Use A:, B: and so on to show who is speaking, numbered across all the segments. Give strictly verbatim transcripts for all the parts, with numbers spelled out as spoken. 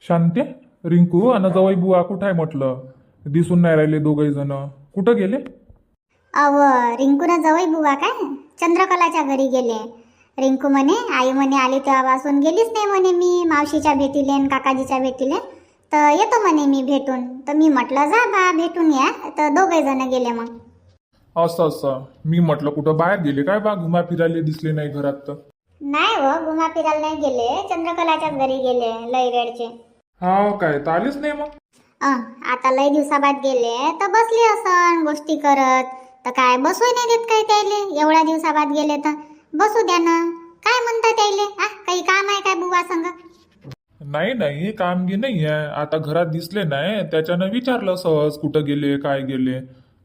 A: शांते, रिंकू आणि जवळ बुवा कुठं आहे म्हटलं? दिसून नाही राहिले दोघही जण. कुठं गेले?
B: अव रिंकून जवळ बुवा काय चंद्रकलाच्या घरी गेले. रिंकू म्हणे आई म्हणे आली तेव्हापासून गेलीच नाही म्हणे मी मावशीच्या भेटीले आणि काकाजीच्या भेटीले, तर येतो म्हणे मी भेटून. तर मी म्हटलं जा बा भेटून या, तर दोघे जण गेले. मग
A: असं असं मी म्हटलं कुठं बाहेर गेले काय बा, घुमा फिरायला दिसले नाही घरात तर.
B: नाही हो, घुमा फिरायला नाही गेले, चंद्रकलाच्याच घरी गेले लय वेळचे.
A: हा काय, तर आलेच नाही मग?
B: अं, आता लय दिवसाबाद गेले तर बसले असन गोष्टी करत. तर काय बसू नाही देत काय त्याले, एवढ्या दिवसाबाद गेले तर बसू द्या ना. काय म्हणता त्याले, आ काही काम आहे काय बुवा संग?
A: नाही नाही, कामगी नाही आहे. आता घरात दिसले नाही त्याच्यानं विचारलं सहज कुठं गेले काय गेले.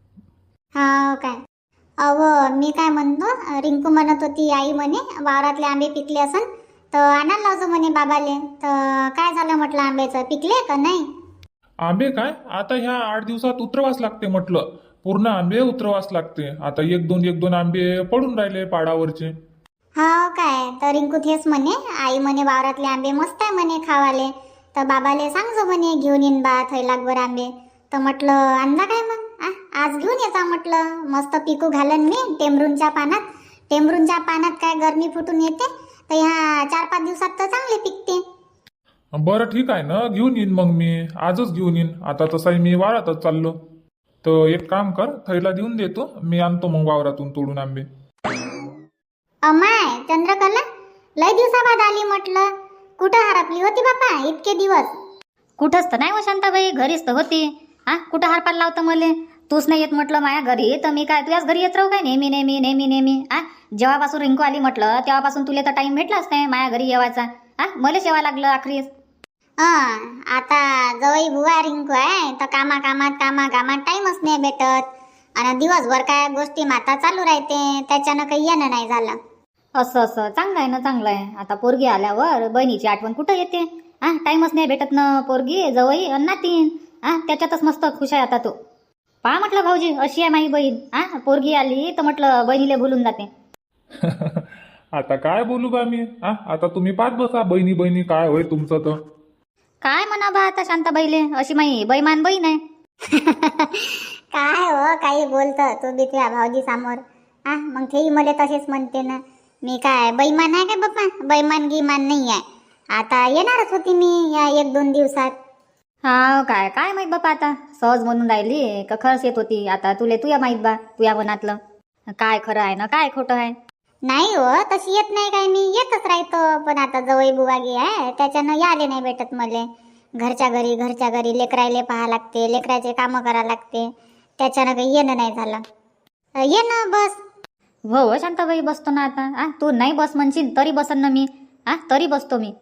B: हा काय? अव मी काय म्हणतो, रिंकू म्हणत होती आई म्हणे वावरातले आंबे पिकले असन तर आणायला लावजो म्हणे बाबाले. तर काय झालं म्हटलं, आंब्याचं पिकले का नाही?
A: आंबे काय, आता ह्या आठ दिवसात उतरवास लागते म्हटलं. पूर्ण आंबे उतरवास लागते. आता एक दोन एक दोन आंबे पडून राहिले पाडावरचे.
B: हा काय? तर रिंकू तेच म्हणे आई म्हणे वावरातले आंबे मस्त आहे म्हणे खावाले, तर बाबाले सांगजो म्हणे घेऊन येईन बा थैलाकभर आंबे. तर म्हटलं आणला काय मग? आ आज घेऊन येता म्हटलं, मस्त पिकू घालन मी टेमरूनच्या पानात. टेमरूनच्या पानात काय गरमी फुटून येते, तर ह्या चार पाच दिवसात तर चांगले पिकते.
A: बरं ठीक आहे ना, घेऊन येईन मग मी आजच घेऊन येईन. आता तसाही मी वावरातच चाललो. तर एक काम कर, थैला देऊन देतो मी, आणतो मग वावरातून तोडून आंबे.
B: अमाय चंद्रकला, लय दिवसाबाद आली म्हटलं, कुठं हरपली होती बापा इतके दिवस?
C: कुठंच तर नाही हो शांताबाई, घरीच तर होती. हा कुठं हारपाल लावतं मले? तूच नाही येत म्हटलं माया घरी, तर मी काय तुझ्याच घरी येत राहू काय नेहमी नेहमी नेहमी नेहमी? आ जेव्हापासून रिंकू आली म्हटलं तेव्हापासून तुला तर टाइम भेटलाच नाही माया घरी येवायचा. हा मलाच येवा लागलं आखरीस.
B: हं, आता जवळ बुवा रिंकू आहे तर कामा कामात कामा कामात टाइमच नाही भेटत, आणि दिवसभर काय गोष्टी माता चालू राहते, त्याच्यानं काही येणं नाही झालं.
C: असं असं चांगलं आहे ना, चांगलं आहे. आता पोरगी आल्यावर बहिणीची आठवण कुठं येते? हा टाइमच नाही भेटत ना, पोरगी जवई अन नातीन. हा त्याच्यातच मस्त खुश आहे आता तू. पहा म्हटलं भाऊजी, अशी आहे माझी बहीण. हा पोरगी आली तर म्हटलं बहिणीला भुलून जाते.
A: आता काय बोलू बा मी? हा आता तुम्ही पाच बसा, बहिणी बहिणी काय होय तुमचं तर.
C: काय म्हणा बा आता शांताबाईले, अशी माई बैमान बहीण आहे.
B: काय हो काही बोलतं तू बी तुझ्या भाऊजी समोर. हा मग तेही मला तसेच म्हणते ना, मी काय बैमान आहे काय बाप्पा? बैमान गिमान नाही आहे. आता येणारच होती मी या एक दोन दिवसात.
C: हा काय काय माहित बापा, आता सहज म्हणून राहिली का खरंच येत होती? आता तुले तुया माहित बा, तुया मनातलं काय खरं आहे ना काय खोटं आहे.
B: नाही हो तशी येत नाही काय, मी येतच राहतो. पण आता जवळ बुवागी आहे त्याच्यानं याले नाही भेटत मले. घरच्या घरी घरच्या घरी लेकरायले पाहा लागते, लेकराचे कामं करा लागते, त्याच्यानं काही येणं नाही झालं. अ, ये ना बस.
C: हो हो शांताबाई बसतो ना आता. आ तू नाही बस म्हणशील तरी बसन ना मी. आ तरी बसतो मी.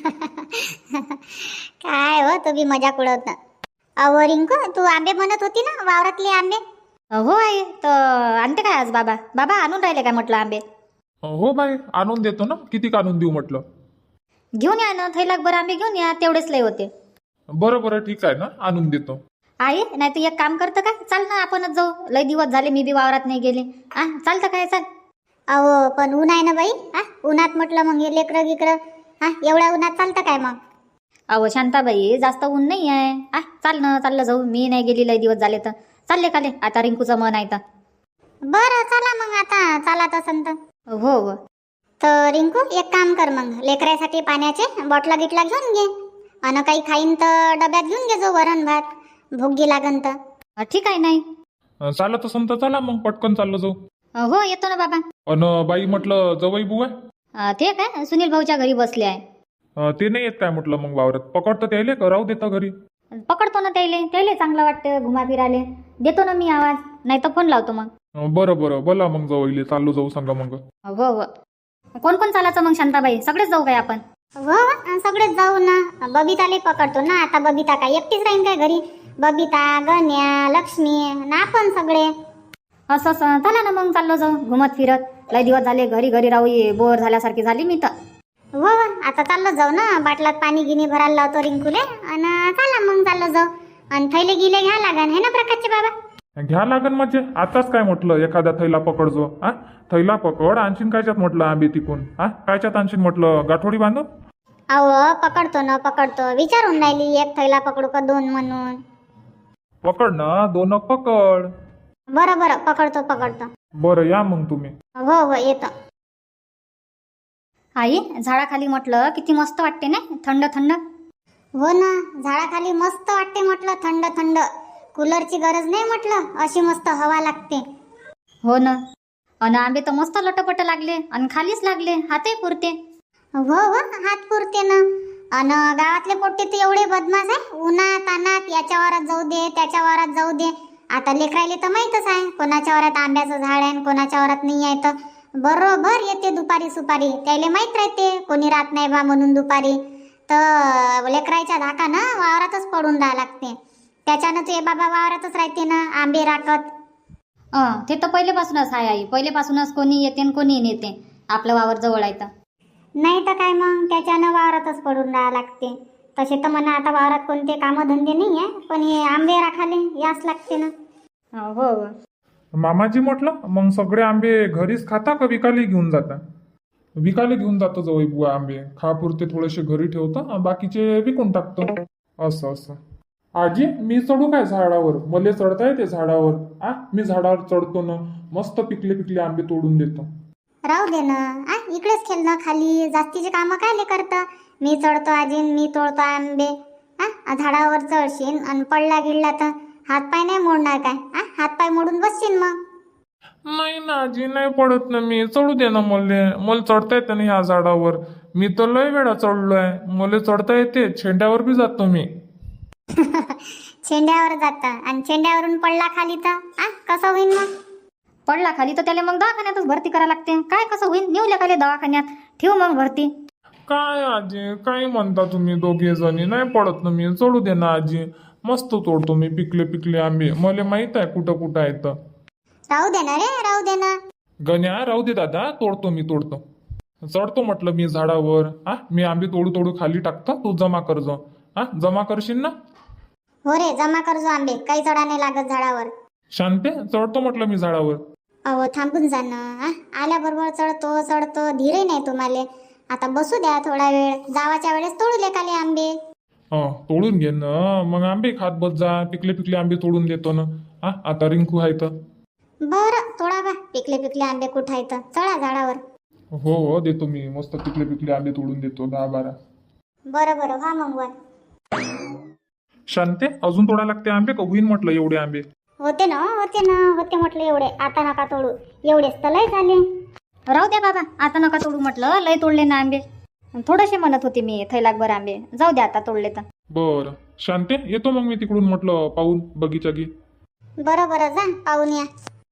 B: काय हो तू बी मजाक उडवत. अहो रिंकू, तू आंबे म्हणत होती ना वावरातले आंबे?
C: हो आहे तर आणते काय आज बाबा? बाबा आणून राहिले काय म्हटलं आंबे?
A: हो बाई, आणून देतो ना. किती आणून देऊ म्हटलं?
C: घेऊन या ना थैलाक बरं आंबे घेऊन या, तेवढेच लय होते.
A: बरं बरं ठीक आहे ना, आणून देतो.
C: आहे नाही तर एक काम करतं का, चाल ना आपणच जाऊ. लय दिवस झाले मी बी वावरात नाही गेले. आ चालतं काय, चाल.
B: अहो पण ऊन आहे ना बाई. हा उन्हात म्हटलं मग हे लेकरं गिकरं, हा एवढ्या उन्हात चालतं काय मग?
C: अहो शांताबाई जास्त ऊन नाही आहे. आ चाल ना, चाललं जाऊ. मी नाही गेली लय दिवस झाले तर चालले काले. आता रिंकूचं मन आहे तर.
B: बरं चला मग, आता चालत असन तर.
C: हो हो
B: तर रिंकू एक काम कर मग, लेकरासाठी पाण्याचे बॉटला गिटला घेऊन घे, आणि काही खाईन तर डब्यात घेऊन घे जो वरण भात, भुगी लागन तर.
C: अ, ठीक आहे नाही.
A: अं, चालत असेल तर चला मग पटकन चाललो जाऊ.
C: अ, हो येतो ना बाबा.
A: अन बाई म्हटलं जवळ बुवा
C: अ, ते काय सुनील भाऊच्या घरी बसले आहे.
A: अं, ते नाही येत काय म्हटलं मग वावरात? पकडतं त्याले का राहू देता घरी?
C: पकडतो ना त्याले, त्याले चांगलं वाटतं घुमा फिराले. देतो ना मी आवाज, नाही तर फोन लावतो मग.
A: अं, बरं बरं बोला मग जवळ चाललो जाऊ सांगा मग.
C: हो हो कोण कोण चालायचं मग शांताबाई? सगळेच जाऊ काय आपण?
B: हो अन सगळेच जाऊ ना. बबिताले पकडतो ना, आता बबिता काय एकटीच राहीन काय घरी? बबिता, गण्या, लक्ष्मी ना आपण सगळे.
C: असं असं चला ना मग, चाललो जाऊ घुमत फिरत. लय दिवस झाले घरी घरी राहू, ये बोर झाल्यासारखी झाली मी तर.
B: हो आता चाललो जाऊ ना, बाटलात पाणी गिनी भरायला लावतो रिंकूले, आणि चला मग चाललो जाऊ. आणि थैले गिले घ्या लागन है ना प्रकाशचे बाबा?
A: घ्या लागन म्हणजे आताच काय म्हटलं, एखाद्या थैला पकडजो. हा थैला पकड, आणशीन कायच्यात म्हटलं आंबे तिकून? हा कायच्यात आणशीन म्हटलं, गाठोडी बांधून?
B: अहो पकडतो ना पकडतो, विचारून राहिली एक थैला पकडू का दोन म्हणून.
A: पकड ना, दोन पकड.
B: बरं बरं पकडतो पकडतो.
A: बरं या मग तुम्ही.
B: हो हो येतो.
C: आई झाडाखाली म्हटलं किती मस्त वाटते ना, थंड थंड.
B: हो ना, झाडाखाली मस्त वाटते म्हटलं, थंड थंड. कूलरची गरज नाही म्हटलं, अशी मस्त हवा लागते.
C: हो ना. अन आंबे तर मस्त लटपट लागले आणि खालीच लागले, हातही पुरते.
B: हो हो हात पुरते ना. अन गावातले पोट्टे तर एवढे बदमाश आहे, उन्हात तानात याच्या वारात जाऊ दे त्याच्या वारात जाऊ दे. आता लेकरायले तर माहीतच आहे कोणाच्या वारात आंब्याचं झाड आहे आणि कोणाच्या वारात नाही आहे. तर बरोबर येते दुपारी सुपारी, त्याला माहीत राहते कोणी राहत नाही बा म्हणून दुपारी. तर लेकरायच्या धाकानं वावरातच पडून राहा लागते. त्याच्यानं ते बाबा वावरातच राहते ना आंबे राखत.
C: अं ते तर पहिलेपासूनच आहे आई, पहिलेपासूनच कोणी येते आणि कोणी नेते. आपलं वावर जवळ आहे तर.
B: नाही तर काय मग, त्याच्यानं वावरातच पडून राहा लागते. तसे तर म्हणा आता वावरात कोणते कामधंदे नाही आहे, पण हे आंबे राखाले याच लागते ना.
C: हो हो.
A: मामाजी म्हटलं मग सगळे आंबे घरीच खाता का विकायला घेऊन जाता? विकायला घेऊन जातो जवळ बुवा आंबे. खापुरते थोडेसे घरी ठेवतो आणि बाकीचे विकून टाकतो. असं असं. आजी मी चढू काय झाडावर? मले चढता येते झाडावर? आ मी झाडावर चढतो ना, मस्त पिकले पिकले आंबे तोडून देतो.
B: राहू दे ना, आ इकडेच खेळ ना खाली, जास्तीचे कामं कायले करतं. मी चढतो आजी, मी तोडतो आंबे. हा झाडावर चढशील आणि पडला गिडला तर हातपाय नाही मोडणार काय? आ हातपाय मोडून बसशील मग.
A: नाही ना आजी, नाही पडत ना मी. चढू दे ना मले. मला चढता येते ना ह्या झाडावर. मी तर लय वेळा चढलोय, मला चढता येते. छेंड्यावर बी जातो मी.
B: छेंड्यावर जाता आणि छेंड्यावरून पडला खाली तर आ कसं होईल मग?
C: पडला खाली तर त्याला मग दवाखान्यातच भरती करा लागते. काय कसं होईल? नेऊ खाली दवाखान्यात, ठेवू मग भरती.
A: काय आजी काय म्हणता तुम्ही दोघे जणी? नाही पडत ना मी. चढू दे ना आजी, मस्त तोडतो मी पिकले पिकले आंबे. मला माहित आहे कुठं कुठं आहे तर.
B: राहू दे ना रे, राहू दे ना.
A: गण्या राहू दे दादा, तोडतो मी तोडतो. चढतो म्हटलं मी झाडावर. हा मी आंबे तोडू तोडू खाली टाकतो, तू जमा कर जो. हा जमा करशील ना?
B: हो रे जमा कर जो आंबे, काही चढा नाही लागत झाडावर.
A: शांते चढतो म्हटलं मी झाडावर.
B: अहो थांबून जा ना. आ आल्याबरोबर चढतो चढतो, धीरे नाही तुम्हाला. आता बसू द्या थोडा वेळ, जावाच्या वेळेस तोडू लेकाले आंबे.
A: हा तोडून घे ना मग, आंबे खात बस जा. पिकले पिकले आंबे तोडून देतो ना. हा आता रिंकू आहे तर.
B: बरं थोडा बा, पिकले पिकले आंबे कुठं आहेत? चढा झाडावर.
A: हो हो देतो मी, मस्त पिकले पिकले आंबे तोडून देतो दहा बारा.
B: बरं बरं व्हा मग वर.
A: शांते अजून तोडा लागते आंबे का होईन म्हटलं एवढे आंबे?
B: होते ना होते ना होते म्हटलं एवढे. आता नका तोडू, एवढेच तर लय झाले.
C: राहू द्या बाबा, आता नका तोडू म्हटलं, लय तोडले ना आंबे. थोडेसे म्हणत होते मी थैलाकभर आंबे. जाऊ द्या आता तोडले तर.
A: बरं शांते येतो मग मी तिकडून म्हटलं पाहून बगीचा गी.
B: बरं बरं जा पाहून या.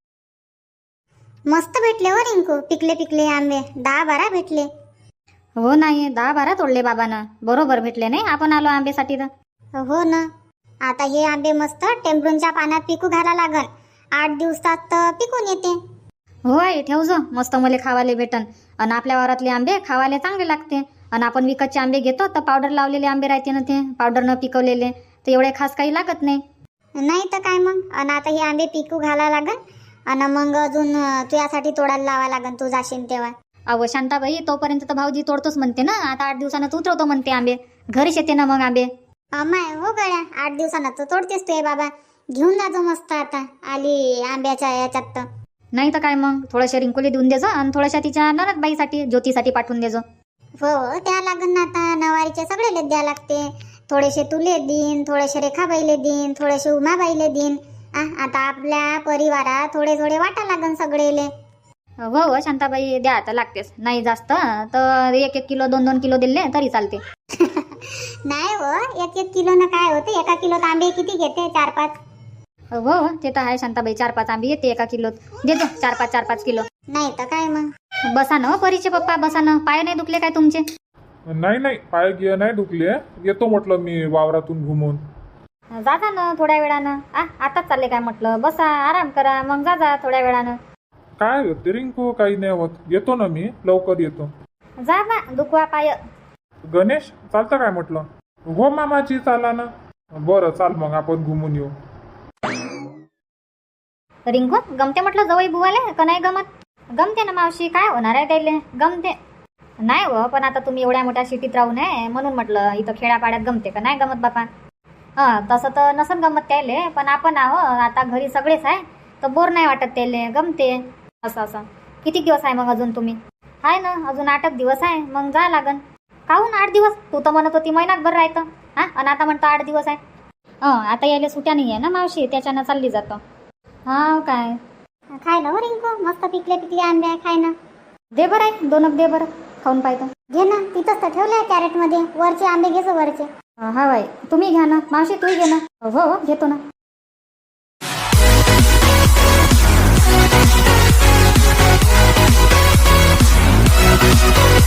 B: मस्त भेटले हो रिंकू, पिकले पिकले आंबे दहा बारा भेटले.
C: हो नाही, दहा बारा तोडले बाबानं. बरोबर भेटले नाही, आपण आलो आंब्यासाठी तर.
B: हो ना. आता हे आंबे मस्त टेम्परूनच्या पाण्यात पिकू घाला लागल. आठ दिवसात तर पिकून येते.
C: हो आई ठेव जो, मस्त मले खावाले भेटन. आणि आपल्या वावरातले आंबे खावाले चांगले लागते. आणि आपण विकतचे आंबे घेतो तर पावडर लावलेले आंबे राहते ना, ते पावडर न पिकवलेले, तर एवढे खास काही लागत नाही.
B: नाही तर काय मग. आणि आता हे आंबे पिकू घाला लागल आणि मग अजून तुझ्यासाठी तोडायला लावा लागल, तू जाशील तेव्हा.
C: अहो शांताबाई, तोपर्यंत तर भाऊजी तोडतोच म्हणते ना. आता आठ दिवसानं उतरवतो म्हणते आंबे. घरीच येते ना मग आंबे.
B: अमाय हो गड्या, आठ दिवसानं तर तोडतेस तू बाबा. घेऊन जातो मस्त आता आली आंब्याच्या याच्यात तर.
C: नाही तर काय मग, थोड्याशा रिंकुली देऊन देजो आणि थोड्याशा तिच्या ननदबाईसाठी ज्योतीसाठी पाठवून देजो.
B: हो त्या लागन ना, आता नवारीचे सगळेले द्या लागते. थोडेसे तुले देईन, थोडेसे रेखाबाईले देईन, थोडेसे उमाबाईले देईन. आ आता आपल्या परिवारात थोडे थोडे वाटा लागन सगळेले.
C: हो हो शांताबाई द्या आता लागतेच. नाही जास्त तर एक एक किलो दोन दोन किलो दिले तरी चालते.
B: नाही हो, एक एक किलो ना काय होते? एका किलो आंबे किती घेते? चार पाच.
C: हो हो ते तर आहे शांताबाई, चार पाच आंबे येते एका किलोत. देतो चार पाच चार पाच किलो.
B: नाही तर काय मग.
C: बसा ना परीचे पप्पा, बसा ना. पाय नाही दुखले काय तुमचे?
A: नाही नाही पाय गिय नाही दुखले. येतो म्हटलं मी वावरातून घुमून.
C: जा जा ना थोड्या वेळानं. आ आताच चालले काय म्हटलं? बसा आराम करा, मग जा जा थोड्या वेळानं.
A: काय होते रिंकू? काही नाही होत. येतो ना मी, लवकर येतो.
C: जा ना दुखवा पाय.
A: गणेश चालतं काय म्हटलं? हो मामाची चाला ना. बरं चाल मग आपण घुमून येऊ.
C: रिंकू गमते म्हटलं जवळ बुवाले का नाही गमत? गमते ना मावशी, काय होणार आहे त्याले? गमते. नाही हो, पण आता तुम्ही एवढ्या मोठ्या सिटीत राहून आहे म्हणून म्हटलं इथं खेड्यापाड्यात गमते का नाही गमत बापा. हां तसं तर नसन गमत त्याले, पण आपण आहो आता घरी सगळेच आहे तर बोर नाही वाटत त्याले, गमते. असं असं किती दिवस आहे मग अजून तुम्ही? आहे ना अजून आठ एक दिवस आहे, मग जा लागन. काहून आठ दिवस? तू तर म्हणत होती महिनाभर राहतं. हां आणि आता म्हणतो आठ दिवस आहे. हं आता यायला सुट्या नाही आहे ना मावशी, त्याच्यानं चालली जातं. हां काय
B: खाय ना हो रिंकू, मस्त पिकले पिकले आंबे आहे, खाय ना.
C: दे बरं आहे, दोन एक दे बरं, खाऊन पाहतो.
B: घे ना, तिथंच तर ठेवलंय कॅरेटमध्ये. वरचे आंबे घे जो वरचे.
C: हा बाई तुम्ही घ्या ना मावशी, तूही घे ना. हो हो घेतो ना.